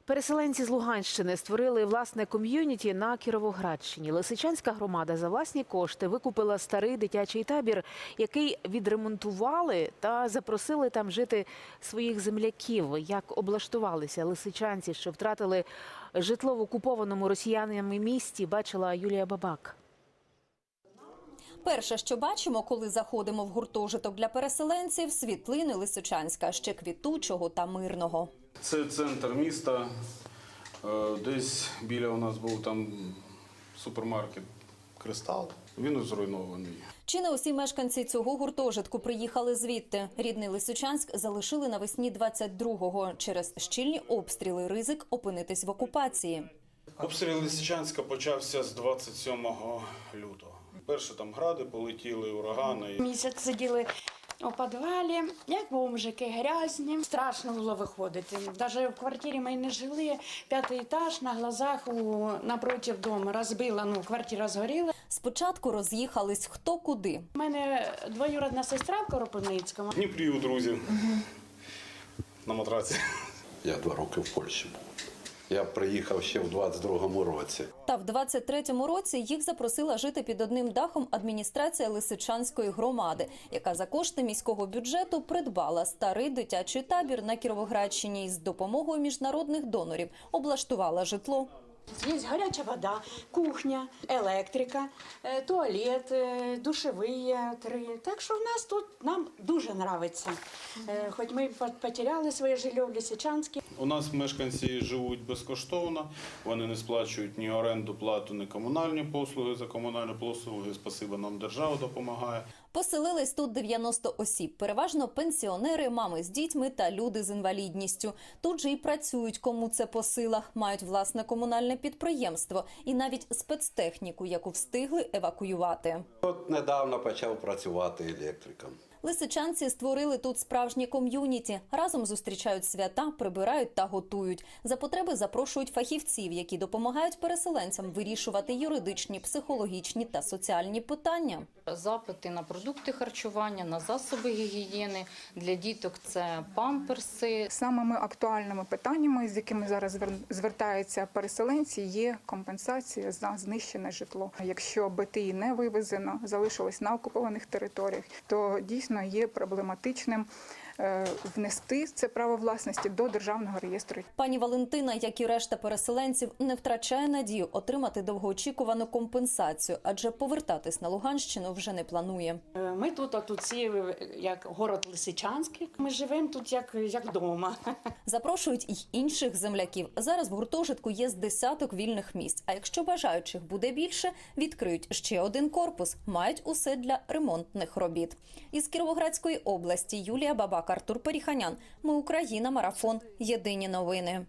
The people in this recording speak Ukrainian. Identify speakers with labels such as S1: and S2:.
S1: Переселенці з Луганщини створили власне ком'юніті на Кіровоградщині. Лисичанська громада за власні кошти викупила старий дитячий табір, який відремонтували та запросили там жити своїх земляків. Як облаштувалися лисичанці, що втратили житло в окупованому росіянами місті, бачила Юлія Бабак.
S2: Перше, що бачимо, коли заходимо в гуртожиток для переселенців – світлини Лисичанська, ще квітучого та мирного.
S3: Це центр міста. Десь біля у нас був там супермаркет «Кристал». Він зруйнований.
S2: Чи не усі мешканці цього гуртожитку приїхали звідти? Рідний Лисичанськ залишили навесні 22-го. Через щільні обстріли ризик опинитись в окупації.
S3: Обстріл Лисичанська почався з 27 лютого. Перше там гради полетіли, урагани.
S4: Місяць сиділи у підвалі, як бомжики, грязні. Страшно було виходити. Навіть в квартирі ми не жили. 5-й етаж на глазах напроти дому розбила, квартира згоріла.
S2: Спочатку роз'їхались хто куди.
S4: У мене двоюрідна сестра в Коропивницькому.
S3: В Дніпрі у друзів на матраці.
S5: Я 2 роки в Польщі був. Я приїхав ще в 22-му році.
S2: Та в 23-му році їх запросила жити під одним дахом адміністрація Лисичанської громади, яка за кошти міського бюджету придбала старий дитячий табір на Кіровоградщині і з допомогою міжнародних донорів облаштувала житло.
S4: Є гаряча вода, кухня, електрика, туалет, душові 3. Так що в нас тут нам дуже подобається. Хоч ми потеряли своє житло в Лисичанську.
S3: У нас мешканці живуть безкоштовно, вони не сплачують ні оренду плату, ні комунальні послуги. За комунальні послуги, спасибо, нам держава допомагає.
S2: Поселились тут 90 осіб, переважно пенсіонери, мами з дітьми та люди з інвалідністю. Тут же і працюють, кому це по силах, мають власне комунальне підприємство і навіть спецтехніку, яку встигли евакуювати.
S5: От недавно почав працювати електриком.
S2: Лисичанці створили тут справжнє ком'юніті. Разом зустрічають свята, прибирають та готують. За потреби запрошують фахівців, які допомагають переселенцям вирішувати юридичні, психологічні та соціальні питання.
S6: Запити на продукти харчування, на засоби гігієни. Для діток це памперси.
S7: Самими актуальними питаннями, з якими зараз звертаються переселенці, є компенсація за знищене житло. Якщо БТІ не вивезено, залишилось на окупованих територіях, то дійсно є проблематичним внести це право власності до Державного реєстру.
S2: Пані Валентина, як і решта переселенців, не втрачає надію отримати довгоочікувану компенсацію, адже повертатись на Луганщину вже не планує.
S4: Ми тут всі, як город Лисичанський, ми живемо тут як вдома.
S2: Запрошують й інших земляків. Зараз в гуртожитку є з десяток вільних місць. А якщо бажаючих буде більше, відкриють ще один корпус. Мають усе для ремонтних робіт. Із Кіровоградської області Юлія Бабак, Артур Періханян. Ми Україна. Марафон. Єдині новини.